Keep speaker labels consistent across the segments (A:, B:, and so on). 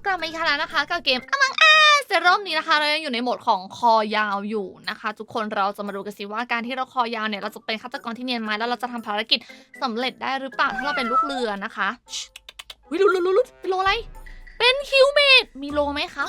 A: กลับมาอีกครั้งแล้วนะคะกับเกม Among Us แต่รอบนี้นะคะเรายังอยู่ในโหมดของคอยาวอยู่นะคะทุกคนเราจะมาดูกันสิว่าการที่เราคอยาวเนี่ยเราจะเป็นฆาตกรที่เนียนไหมแล้วเราจะทำภารกิจสำเร็จได้หรือเปล่าถ้าเราเป็นลูกเรือนะคะวิลุเป็นโลอะไรเป็นคิวเมดมีโลไหมคะ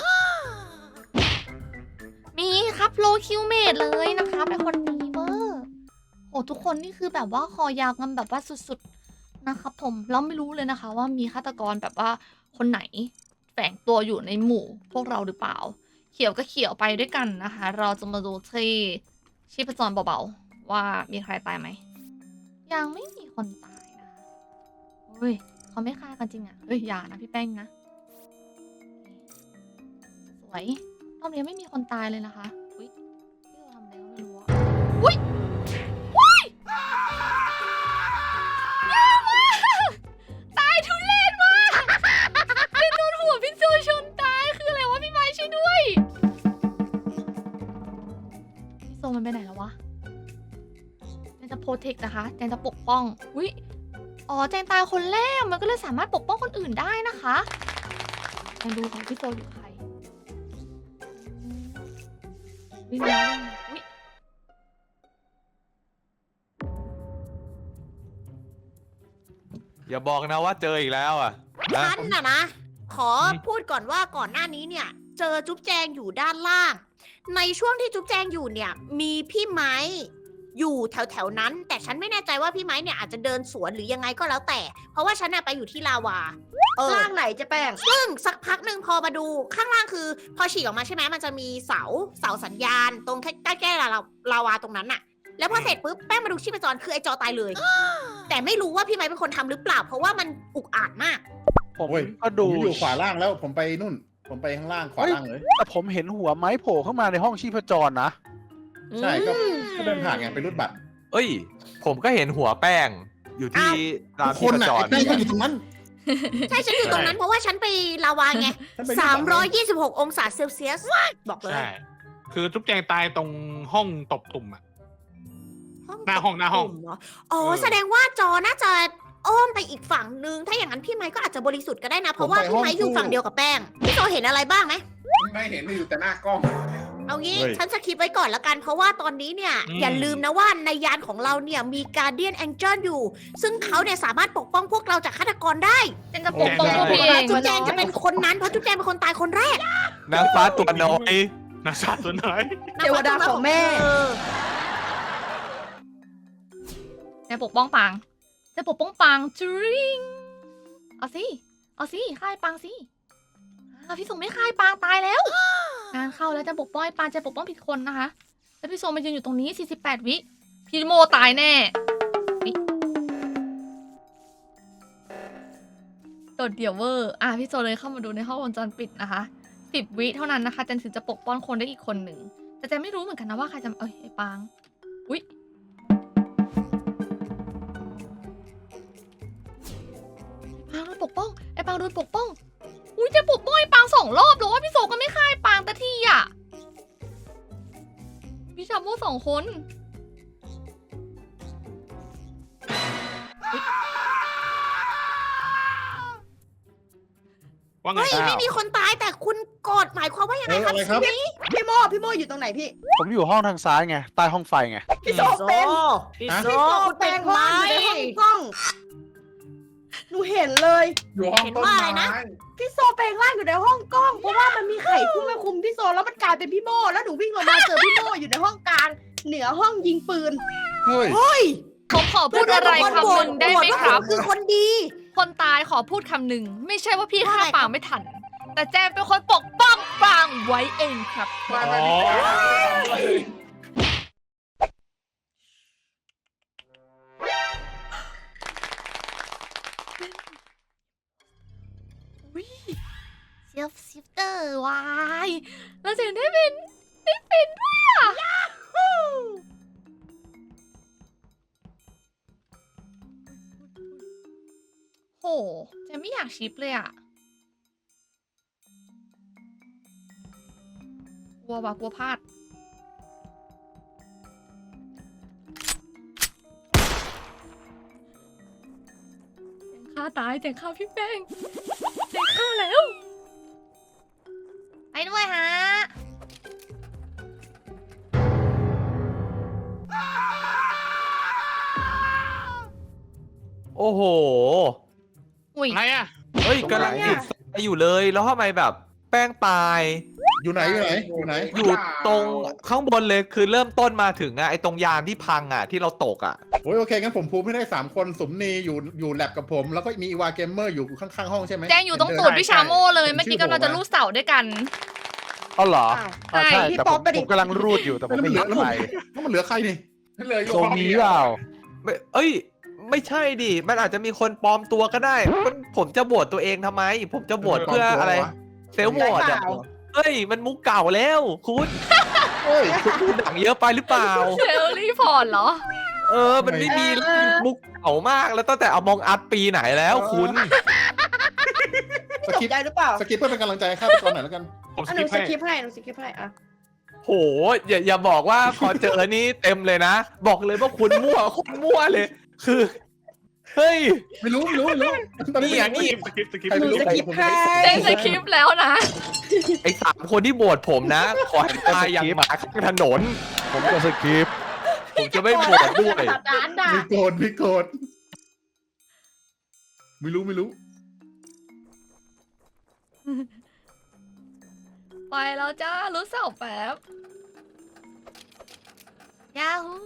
A: มีครับโลคิวเมดเลยนะคะเป็นคนดีเวอร์โอ้ทุกคนนี่คือแบบว่าคอยาวกันแบบว่าสุดๆนะครับผมเราไม่รู้เลยนะคะว่ามีฆาตกรแบบว่าคนไหนแฝงตัวอยู่ในหมู่พวกเราหรือเปล่าเขียวก็เขียวไปด้วยกันนะคะ เราจะมาดูที่ชีพจรเบาๆว่ามีใครตายไหมยังไม่มีคนตายนะคะเฮ้ยเขาไม่ฆ่ากันจริงอ่ะเฮ้ยอย่านะพี่แป้งนะสวยรอบนี้ไม่มีคนตายเลยนะคะอุ้ยพี่เราทำอะไรก็ไม่รู้อะอุ้ยยากมากตายทุเรศมากเป็นโดนหัวพี่โจชนตายคืออะไรวะพี่ไม้ช่วยด้วยพี่โซมันไปไหนแล้ววะแจนจะโปรเทคนะคะแจนจะปกป้องอุ้ยอ๋อแจนตายคนแรกมันก็เลยสามารถปกป้องคนอื่นได้นะคะแจนดูของพี่โซอยู่ใครวิ่งแล้วอุ๊ย
B: อย่าบอกนะว่าเจออีกแล้วอ่ะ
C: ฉันนะ ขอพูดก่อนว่าก่อนหน้านี้เนี่ย เจอจุ๊บแจงอยู่ด้านล่าง ในช่วงที่จุ๊บแจงอยู่เนี่ย มีพี่ไม้อยู่แถวๆนั้น แต่ฉันไม่แน่ใจว่าพี่ไม้เนี่ยอาจจะเดินสวนหรือยังไงก็แล้วแต่ เพราะว่าฉันน่ะไปอยู่ที่ลาวาล่างไหนจะแป้งซึ่งสักพักหนึ่งพอมาดูข้างล่างคือ พอฉีกออกมาใช่ไหมมันจะมีเสาสัญญาณ ตรงใกล้ๆลาวาตรงนั้นน่ะ แล้วพอเสร็จปุ๊บแป้งมาดูชีพจรคือไอจอตายเลย แต่ไม่รู้ว่าพี่ไม้เป็นคนทำหรือเปล่า เพราะว่ามันอุกอาจมาก
D: ผม
E: โอ้ย
D: ก็ดู
E: ผมอยู่ขวาล่างแล้วผมไปนู่น ผมไปข้างล่างขวาล่างเลย
D: แต่ผมเห็นหัวไม้โผล่เข้ามาในห้องชีพจรนะ
E: ใช่ก็เดินผ่านไงไปรูดบัตร
B: เอ้ย ผมก็เห็นหัวแป้งอยู่ที่ราม
E: ค
B: ที่
E: น
B: ประ
E: อ่ะ
B: จร
E: ไอ้แป้งก็อยู่ตรงนั้น
C: ใช่ฉันอยู่ตรงนั้นเพราะว่าฉันไปลาวาไง
E: ฉันไปรูดบัตร
C: 326 องศาเซลเซียส บอกเลย
F: ใช่ คือจุ๊บแจงตายตรงห้องตบตุ่มอะ หน้าห้องหน้าห้อง
C: เหรอ๋อ แสดงว่าจอน่าจะอ้อมไปอีกฝั่งนึง ถ้าอย่างนั้นพี่ไม้ก็อาจจะบริสุทธิ์ก็ได้นะ เพราะว่าพี่ไม้อยู่ฝั่งเดียวกับแป้ง พี่โจเห็นอะไรบ้างไหม
E: ไม่เห็นไม่อยู่แต่หน้ากล้อง
C: เอางี้
E: เฮ้ย
C: ฉันสคิปไว้ก่อนละกัน เพราะว่าตอนนี้เนี่ย อย่าลืมนะว่าในยานของเราเนี่ยมีการเดียนแองเจิลอยู่ ซึ่งเขาเนี่ยสามารถปกป้องพวกเราจากฆาตกรได้
A: เจนจะปกป้องพวกพี่เอง
C: จุ๊บแจงจะเป็นคนนั้น เพราะจุ๊บแจงเป็นคนตายคนแรก
B: นางฟ้าตัวน้อย
F: นาซาตัวไหน
C: เทวดาของแม่
A: เจนปกป้องปังเจนปกป้องปังจริงเอาสิฆ่าไอ้ปังสิพี่ส่งไม่ฆ่าไอ้ปังตายแล้ว งานเข้าแล้วเจนปกป้องไอ้ปังเจนปกป้องผิดคนนะคะแล้วพี่โซมายืนอยู่ตรงนี้48วิพี่โมตายแน่โดดเดี่ยวเวอร์พี่โซเลยเข้ามาดูในห้องวงจรปิดนะคะ10 วิเท่านั้นนะคะเจนถึงจะปกป้องคนได้อีกคนหนึ่งแต่เจนไม่รู้เหมือนกันนะว่าใครจะไอ้ปังอุ๊ยไอ้ปังโดนปกป้องไอ้ปังโดนปกป้องอุ้ยเจนปกป้องไอ้ปัง2 รอบแต่ว่าพี่โซก็ไม่ฆ่าไอ้ปังแต่ที่อ่ะพี่ชาโม่2 คน
F: ว่าไง
C: เฮ้ย ไม่มีคนตายแต่คุณกดหมายความว่ายังไงครับ
E: อะไรครับ
G: พี่โมอยู่ตรงไหนพี่
D: ผมอยู่ห้องทางซ้ายไง ใต้ห้องไฟไง
G: พี่โซเป็น
C: พี่
E: ฮะ
C: โซ
G: พี่โซ
C: คุณ
G: เป็
C: เป็น น
G: ห้
C: ไหม
G: องอยู่ในห้องกล้อง หนูเห็นเลย
E: อยู่ห้องต้นไม้
G: พี่โซแปลงร่างอยู่ในห้องกล้อง เพราะว่ามันมีไข่พุ่งมาคุมพี่โซแล้วมันกลายเป็นพี่โมแล้วหนูวิ่งลงมาเจอพี่โมอยู่ในห้องกลาง เหนือห้องยิงปืน
E: เฮ้ย
C: เฮ้ย
A: ผมขอพูดอะไรคำหนึ่งได้ไหมครับ
C: คือคนดี
A: คนตายขอพูดคำหนึ่งไม่ใช่ว่าพี่ฆ่า
C: ว่าอะไรครับ
A: ปางไม่ทัน แต่แจมเป็นคนปกป้องปางไว้เองครับ
F: อ๋อ
A: เซลฟ์ซิฟเตอร์วายแล้วเจนได้เป็นด้วยอ่ะโหเจนไม่อยากชิปเลยอ่ะกลัวพลาดเจนฆ่าตายเจนฆ่าพี่แป้งเจนฆ่าแล้ว
B: โอ้โห
A: อุ้ย
F: อะไรอ่ะ
B: เฮ้ยกำลังติดไฟอยู่เลยแล้วทำไมแบบแป้งตาย
E: อยู่ไหนอยู่ไหนอยู่ไหน
B: อยู่ตรงข้างบนเลยคือเริ่มต้นมาถึงอะไอตรงยานที่พังอะที่เราตกอะ
E: โอ้ยโอเคงั้นผมพูดให้ได้3 คนสมนีอยู่แลบกับผม แล้วก็มีอีวาเกมเมอร์อยู่ข้างๆห้องใช่ไหม
A: แจงอยู่ตรงตูดพี่ชาโม่เลยเมื่อกี้กำลังจะลูดเสาด้วยกัน
D: อ๋อเหรอ
G: อ้าว
D: ใช่
G: พี่
D: แต่
G: ป๊
D: ผ
G: อป
D: ม
G: ไปดิ
D: ผมกำลังรูดอยู่แต่ผมไม่เห็นใคร
E: แล้วมันเหลือใครนี่
H: เหลืออยู่
D: โซมีเปล่า
B: ไม่เอ้ย ไม่ใช่ดิมันอาจจะมีคนปลอมตัวก็ได้ผมจะโหวตตัวเองทำไม ผมจะโหวตเพื่ออะไร เซลล์โหวตอะเฮ้ยมันมุกเก่าแล้วคุณ
E: เฮ้ย
B: คุณดูหนังเยอะไปหรือเปล่า
A: เชลลี่พอร์ตเหรอ
B: มันไม่มีมุกเก่ามากแล้วตั้งแต่เอามองอัดปีไหนแล้วคุณ
E: ส
G: จบ
E: กิป
G: ได้หรือเปล่า
E: สกิปเพื่อเป็นกำลังใจให้ฆาตกรหน่อยแล้วกัน
F: ผมส
G: อ่ะห
F: กิ
G: นู
F: ป
G: ส
F: ให้
G: กิปให้หนูสกิปให้อ่ะ
B: โหอย่าบอกว่าพอเจอนี่เต็มเลยนะ บอกเลยว่าคุณมั่วคนมั่วเลย คือ เฮ้ย
E: ไม่รู้ตอนนี้
B: นี่
F: สกิปสกิป
E: ใคร
G: หนู
E: ไม่รู้
G: สกิปให้
A: แจงสคริปต์แล้วนะ
B: ไอ้3 คนที่โหวตผมนะ ขอให้ตายอย่างหมาข้างถนน
D: ผมก็สคริปต์
B: ผมจะไม่โหวตด้วย
G: สัปดาห์ด่า
E: มีโกรธไม่รู้
A: ไปแล้วจ้ารู้เสาแป๊บยาฮู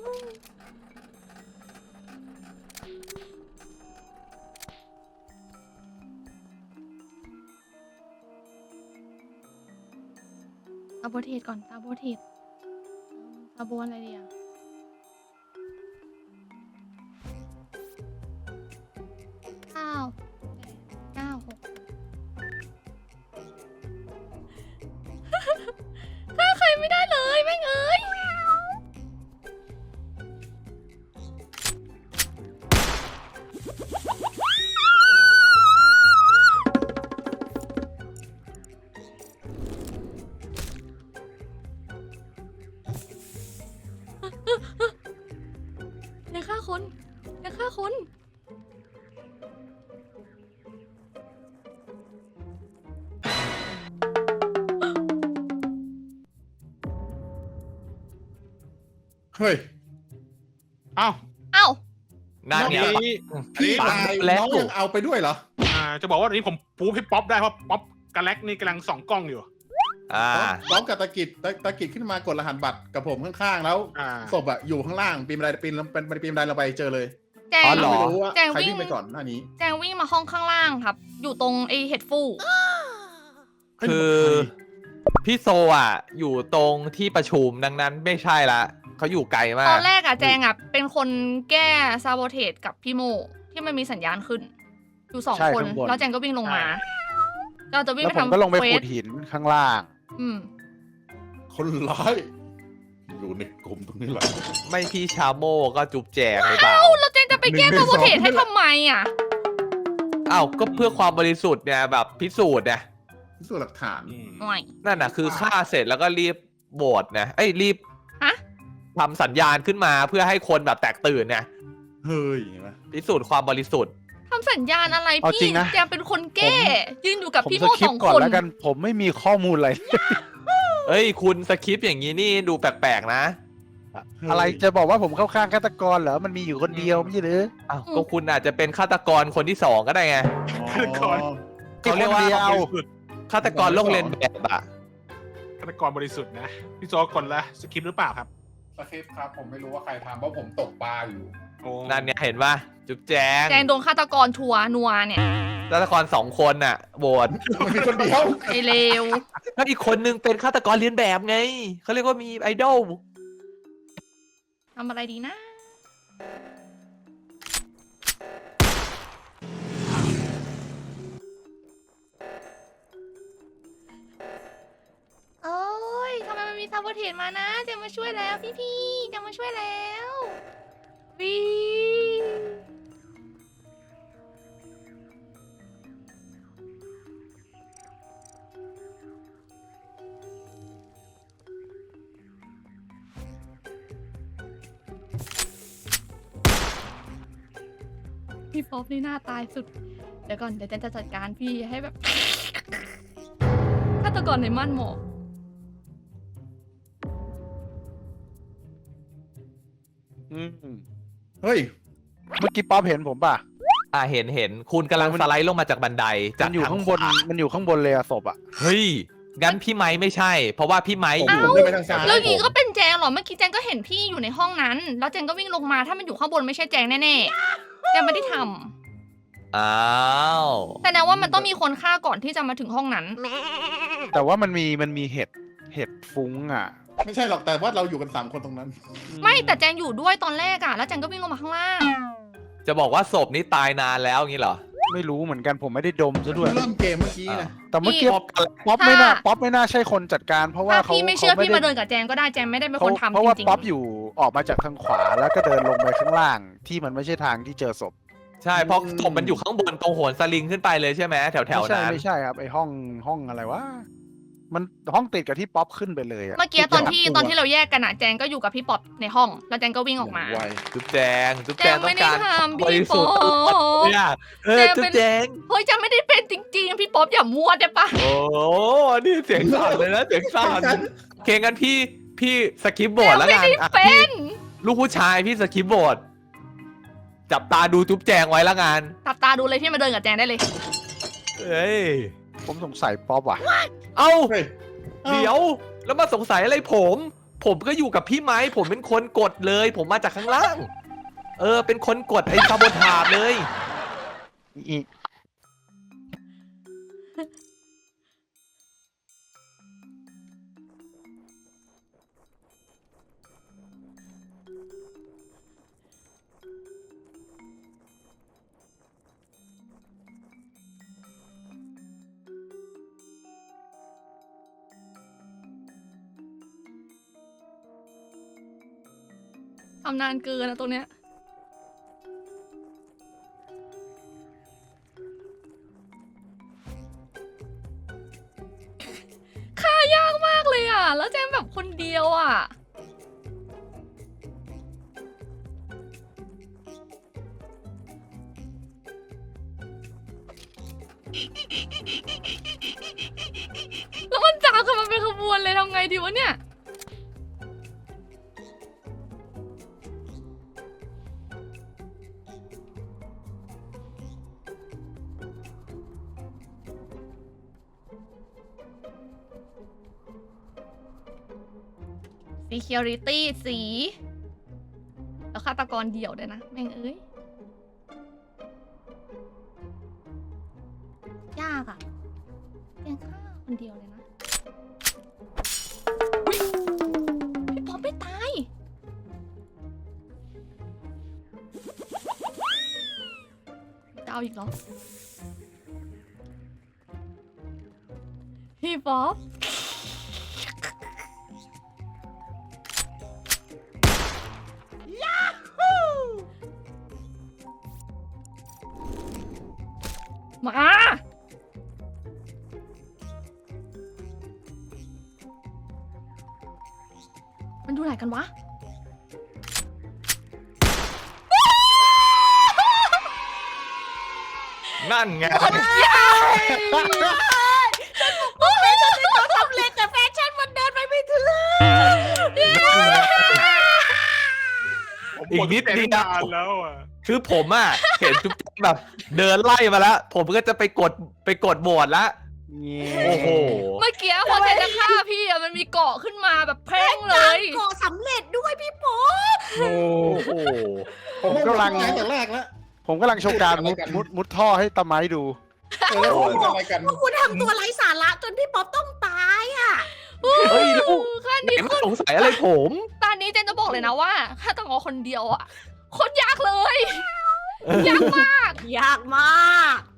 A: ซาโบเทสก่อนซาโบเทสซาโบอะไรดีอ่ะ9 8 9 6ฆ่าใครไม่ได้เลยแม่งเอ้ยอย่าฆ่าคนอย่าฆ่าคน
E: เฮ้ย
F: เอ้า
A: เอ้า
B: นั่น
F: อัน
B: ไง
F: นี้
E: พี่
B: ปั
E: ตาง ย
B: แล้ว
E: น้องยังเอาไปด้วยเหรอ
F: จะบอกว่าอันนี้ผมปูให้ป๊อปได้เพราะป๊อปกับแล็กนี่กำลังส่องกล้องอยู่
E: พร้อมกับตะกิดขึ้นมากดรหัสบัตรกับผมข้างๆ แล้ว
F: อ่า
E: ศพอะอยู่ข้างล่างปีนบันไดเราไปเจอเลย
A: แจง
B: อ๋อเหรอ
E: ไม่รู้ว่า
A: แจง
E: ใคร
A: วิ่ง
E: วิ่งไปก่อนหน้านี้
A: แจงวิ่งมาห้องข้างล่างครับ อยู่ตรงไอเห็ดฟู
B: คือพี่โซอ่ะ อยู่ตรงที่ประชุมดังนั้นไม่ใช่ละเขาอยู่ไกลมา
A: ตอก นแรกอะแจงอะเป็นคนแก้ซาโบเทสกับพี่โมที่มันมีสัญญาณขึ้น อยู่สอง
D: ใช่
A: คน
D: ข้างบน
A: แล้วแจงก็วิ่งลงมาเราจะวิ่ง
D: แล้ว
A: ไป
D: ผม
A: ทำ
D: ก็ลงไป
A: เคว
D: ขุ
A: ส
D: ดหินข้างล่าง
A: อืม
E: คนร้ายอยู่ในกลุ่มตรงนี้แหละ
B: ไม่พี่ชาโมก็จุบแจงหรือเปล่า
A: แล้วแจงจะไปแก้ซาโบเทสให้ทำไมอะ
B: อ้าวก็เพื่อความบริสุทธิ์เนี่ยแบบพิสูจน์เนี่ย
E: พิสูจน์หลักฐาน
A: หน่อย
B: นั่นน่ะคือฆ่าเสร็จแล้วก็รีบโบดนะรีบ
A: ฮะ
B: ทำสัญญาณขึ้นมาเพื่อให้คนแบบแตกตื่นเนี่ย
E: เฮ้ยเห็นไหม
B: พิสูจน์ความบริสุทธิ์
A: ทำสัญญาณอะไร
D: เอาจริ
A: พี่
D: งนะ
A: แจงเป็นคนแก้ ยืนอยู่กับ
D: ผม
A: พี่
D: ส
A: โม
D: คริ
A: ส
D: ป
A: อง
D: ต์ก่อน
A: คน
D: แล้วกัน ผมไม่มีข้อมูลอะไร
B: เอ้ยคุณสคริปต์อย่างนี้นี่ดูแปลกๆนะ
D: อะไรจะบอกว่าผมเข้าข้างฆาตกรเหรอ มันมีอยู่คนเดียวไม่ใช่หรือ
B: อ้าวก็คุณอาจจะเป็นฆาตกรคนที่2ก็ได้ไง
E: อ๋อ
B: เขาเรียกว่า
D: คนเดียว
B: ฆาตกรโลกเรียนแบบอะ
F: ฆาตกรบริสุทธิ์นะ พี่โจคนละสกิปหรือเปล่าครับ
H: สคริปต์ครับผมไม่รู้ว่าใครทำเพราะผมตกปลาอยู่
F: โอ้
B: นั่นเนี่ยเห็นป่ะจุบแจง
A: แจงโดนฆาตกรทัวร์นัวเนี่ย
B: ฆาตกร2 คนน่ะโบด
E: มันมีคนเดียว
A: ไอเลว
B: แล้วอีกคนนึงเป็นฆาตกรเรียนแบบไงเขาเรียกว่ามีไอดอล
A: ทำอะไรดีนะ โอ้ยทำไมมันมีซาโบเทสมานะจะมาช่วยแล้วพี่ๆจะมาช่วยแล้ววีพี่ป๊อปนี่หน้าตายสุด เดี๋ยวก่อนเดี๋ยวจะจัดการพี่ให้แบบ ฆาตกรในม่านหมอก
D: อืม
E: เฮ้ย
D: เมื่อกี้ป๊อปเห็นผมป่ะ
B: เห็นคุณกำลังสไลด์ลงมาจากบันไดจา
D: มั
B: ก
D: นอยู่
B: ทาง
D: ข้าง
B: ข
D: บน
B: วา
D: มันอยู่ข้างบนเลยอะศพอะ
B: เฮ้ยงั้นพี่ไม้ไม่ใช่ เพราะว่าพี่ไม้อยู่
E: ผมเดินไปทางซ้าย
A: แล้วอย่างนี้ก็เป็นแจงเหรอ เมื่อกี้แจงก็เห็นพี่อยู่ในห้องนั้น แล้วแจงก็วิ่งลงมา ถ้ามันอยู่ข้างบนไม่ใช่แจงแน่ๆ แจงไม่ได้ทำ
B: อ้าว
A: แสดงว่ามันต้องมีคนฆ่าก่อนที่จะมาถึงห้องนั้น
D: แต่ว่ามันมีเห็ดฟุ้งอะ
E: ไม่ใช่หรอกแต่ว่าเราอยู่กัน3คนตรงนั้น
A: ไม่แต่แจงอยู่ด้วยตอนแรกอะแล้วแจงก็วิ่งลงมาข้างล่าง
B: จะบอกว่าศพนี้ตายนานแล้วงี้เหรอ
D: ไม่รู้เหมือนกันผมไม่ได้ดมซะด้วย
E: เริ่มเกมเมื่อกี้นะ
D: แต่เมื่อกี้
B: พบกัน
D: ป๊อปไม่น่าใช่คนจัดการ เพราะว่า
A: ถ้า
D: เขา
A: พี่ไม่เชื่อ
D: ข
A: พี่มาเดินกับแจงก็ได้ แจงไม่ได้เป็นคนทำ
D: เพราะ
A: จ
D: ว่า
A: ริง
D: ป๊อปอยู่ออกมาจากทางขวาแล้วก็เดินลงไปข้างล่าง ที่มันไม่ใช่ทางที่เจอศพ
B: ใช่เพราะศพมันอยู่ข้างบนตรงโหนสลิงขึ้นไปเลยใช่ไหมแถว
D: ไม่ใช่
B: นั้น
D: ไม่ใช่ครับไอห้องอะไรวะมันห้องติดกับที่ป๊อปขึ้นไปเลยอะ
A: เมื่อกี้ตอนที่เราแยกกันอะแจงก็อยู่กับพี่ป๊อปในห้อง แล้วแจงก็วิ่งออกมา
E: ไว
B: จุ๊บแจง
A: แจง
B: ต้อ
A: ไม่
B: ง
A: ได้
B: การ
A: ทำ
B: บ
A: พี่
B: ริสุ
A: ป๊
B: ท
A: อ
B: ธิ์
A: ป
B: เนี่ยจุ๊บแจง
A: เฮ้ยแจงไม่ได้เป็นจริงๆ พี่ป๊อปอย่ามั่วได้ปะ
B: โอ้นี่เสียงสั่นเลยนะเสียงสั่นโอเคงั้นพี่สกิปบอร์ดแล้วกันอ่ะ
A: เป็
B: พี่
A: น
B: ลูกผู้ชายพี่สกิปบอร์ดจับตาดูจุ๊บแจงไว้ละกัน
A: ตับตาดูเลยพี่มาเดินกับแจงได้เลย
B: เอ้ย
D: ผมสงสัยป๊อปว่ะ
B: เอ้า
E: เฮ้ย
B: เดี๋ยวแล้วมาสงสัยอะไรผมก็อยู่กับพี่ไม้ผมเป็นคนกดเลย ผมมาจากข้างล่าง เป็นคนกดไอ้ซาโบทาจเลย
D: อี
A: ทำนานเกินนะตรงเนี้ยฆ่ายากมากเลยอ่ะ แล้วแจงแบบคนเดียวอ่ะ แล้วมันจับกันมาเป็นขบวนเลยทำไงดีวะเนี่ย Security สี แล้วฆาตกรเดี่ยวด้วยนะ แม่งเอ้ย ยากอ่ะยังฆ่าคนเดียวเลยนะอุ๊ยพี่ป๊อปไม่ตายจะเอาอีกเหรอ พี่ป๊อปมา มันดูไหนกันวะ
B: นั่นไง
C: โอ้ยฉันเป็นตัวสำเร็จแต่แฟชั่นมันเดินไปไม่ถึง
B: อีกนิดเดียว
F: นานแล้วอ่ะ
B: คือผมอ่ะ เห็นจุ๊บแจงแบบเดินไล่มาแล้ว ผมก็จะไปกดโหวตแล้ว โอ้โห
A: เมื่อกี้พอเจจะฆ่าพี่อะมันมีเกาะขึ้นมาแบบแพร่งเลย
C: ก่อสำเร็จด้วยพี่ป๊อป
D: โอ้
B: โอ้โห
E: ผมกำลังตั้งแต่แรกแล้ว
D: ผมกำลังโชว์การมุดท่อให้ตะไม้ดู
E: แล้วผมทำอะไรกัน
C: พวกคุณทำตัวไร้สาระจนพี่ป๊อปต้องตายอ่ะ
B: เฮ้ยแล้ว
A: ขั้น
B: ไหน
A: นี้
B: มาสงสัยอะไรผม
A: ตอนนี้เจนจะบอกเลยนะว่าถ้าต้องเอาคนเดียวอะโคตรยากเลย ยากมาก
C: ยากมาก